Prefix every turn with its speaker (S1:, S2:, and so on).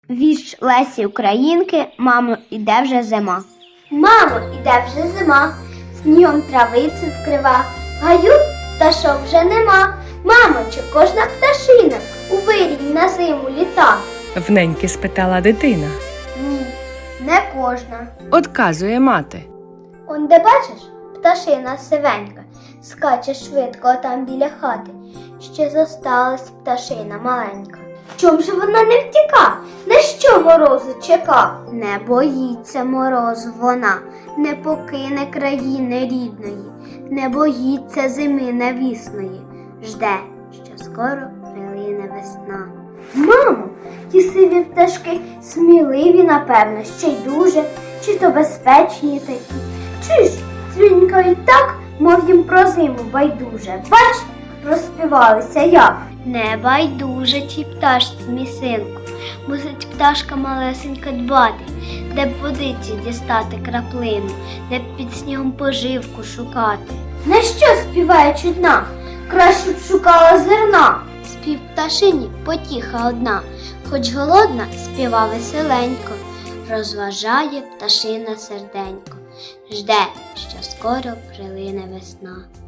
S1: Вірш Лесі Українки «Мамо, іде вже зима».
S2: Мамо, іде вже зима, снігом травицю вкрива, в гаю пташок вже нема. Мамо, чи кожна пташина у вирій на зиму літа?
S3: Вненьки спитала дитина.
S2: Ні, не кожна.
S3: Одказує мати.
S2: Он де бачиш, пташина сивенька, скаче швидко там біля хати. Ще зосталась пташина маленька. Чом же вона не втіка? На що морозу чека?
S1: Не боїться морозу вона, не покине країни рідної, не боїться зими невісної, жде, що скоро прилине весна.
S2: Мамо, ті сиві пташки сміливі, напевно, ще й дуже, чи то безпечні такі. Чи ж дзвінькають так, мов їм про зиму байдуже. Бач, розспівалися як.
S1: Не байдуже тій пташці, мій синку, мусить пташка малесенька дбати, де б водиці дістати краплину, де б під снігом поживку шукати.
S2: На що співає чудна? Краще б шукала зерна.
S1: Спів пташині потіха одна, хоч голодна, співа веселенько, розважає пташина серденько, жде, що скоро прилине весна.